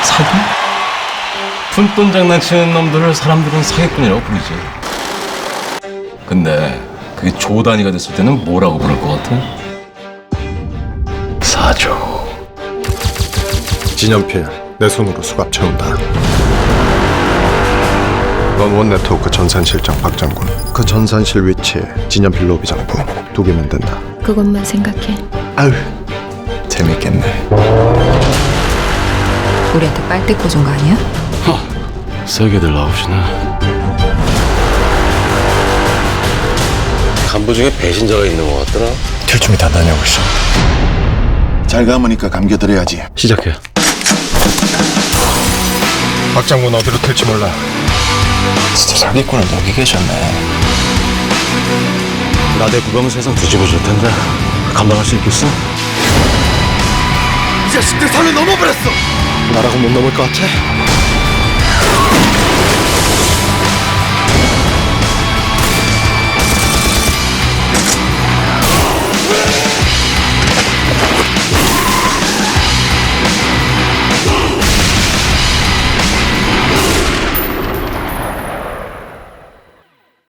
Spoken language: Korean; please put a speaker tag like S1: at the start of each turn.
S1: 사기? 푼돈 장난치는 놈들을 사람들은 사기꾼이라고 부르지. 근데 그게 조 단위가 됐을 때는 뭐라고 부를 것 같아? 사조.
S2: 진연필 내 손으로 수갑 채운다. 넌 원네트워크 전산실장 박장군. 그 전산실 위치에 진연필 로비장부 2개면 된다.
S3: 그것만 생각해.
S2: 아유 재밌겠네.
S4: 우리한테 빨대 꽂은 거 아니야?
S1: 세게들 나오시네. 간부 중에 배신자가 있는 것 같더라.
S2: 틸춤이 다 다녀오고 있어.
S5: 잘 감으니까 감겨드려야지.
S1: 시작해.
S2: 박장군 어디로 튈지 몰라.
S5: 진짜 사기꾼을 여기 계셨네.
S1: 나대 구경 세상 뒤집어 줄 텐데 감당할 수 있겠어?
S2: 이 자식들 선을 넘어버렸어. 나라고 못 넘을 것 같아?